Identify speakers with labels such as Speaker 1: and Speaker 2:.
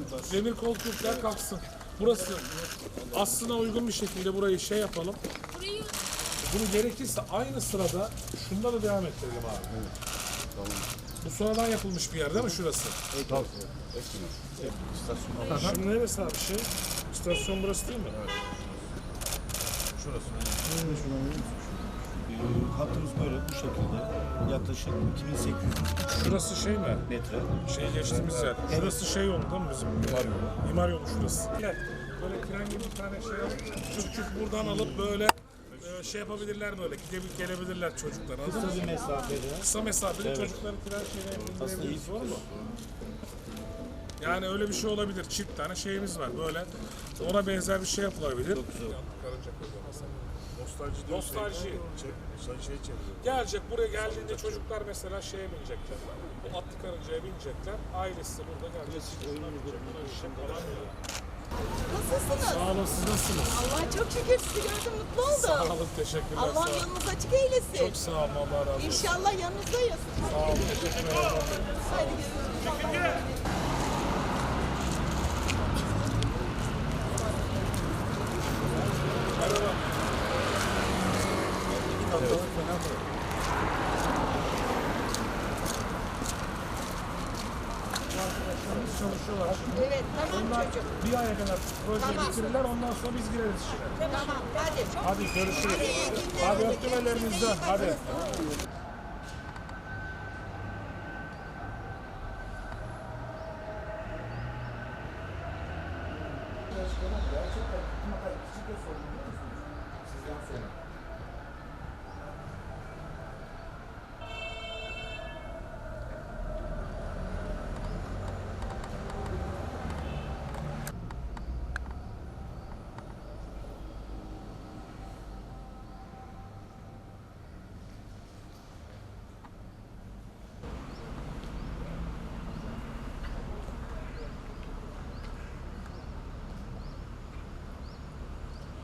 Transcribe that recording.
Speaker 1: Demir koltuklar kalksın. Burası aslına uygun bir şekilde burayı şey yapalım. Bunu gerekirse aynı sırada şunda da devam ettirelim abi. Evet. Tamam. Bu sonradan yapılmış bir yer değil mi şurası?
Speaker 2: Evet. Tamam. İstasyon.
Speaker 1: Şimdi neresi abi şey? İstasyon burası değil mi? Evet.
Speaker 2: Şurası. Hattımız böyle bu şekilde yaklaşık 2800
Speaker 1: Şurası şey mi?
Speaker 2: metre.
Speaker 1: Şey geçtiğimiz yer. Şurası şey yolu değil mi bizim? İmar yolu şurası. Böyle tren gibi bir tane şey alıp çık buradan alıp böyle şey yapabilirler böyle gelebilirler çocuklar.
Speaker 2: Kısa bir mesafede.
Speaker 1: Kısa mesafeli evet. Çocukları tren şeyine indirebiliriz var mı? Yani öyle bir şey olabilir. Çift tane şeyimiz var böyle. Ona benzer bir şey yapılabilir. Çok güzel. Nostalji. Gelecek buraya geldiğinde çocuklar mesela şeye binecekler. Bu atlı karıncaya binecekler. Ailesi de burada gelecek.
Speaker 3: Nasılsınız?
Speaker 1: Sağ olun, siz nasılsınız?
Speaker 3: Allah çok şükür sizi gördüm, mutlu oldum.
Speaker 1: Sağ olun, teşekkürler.
Speaker 3: Allah yolunuz açık eylesin.
Speaker 1: Çok sağ olun, Allah razı olsun.
Speaker 3: İnşallah yanınızdayız.
Speaker 1: Sağ olun, teşekkürler.
Speaker 3: Hadi görüşürüz.
Speaker 1: Merhaba. Arkadaşlarımız çalışıyorlar şimdi.
Speaker 3: Evet, tamam
Speaker 1: Onlar
Speaker 3: çocuğum.
Speaker 1: bir aya kadar projeyi bitirirler, ondan sonra biz gireriz işine.
Speaker 3: Tamam, hadi.
Speaker 1: Hadi görüşürüz. Hadi öptüm ellerinizden. Hadi. Gerçekten küçük de sorun biliyor musunuz? Sizden sonra.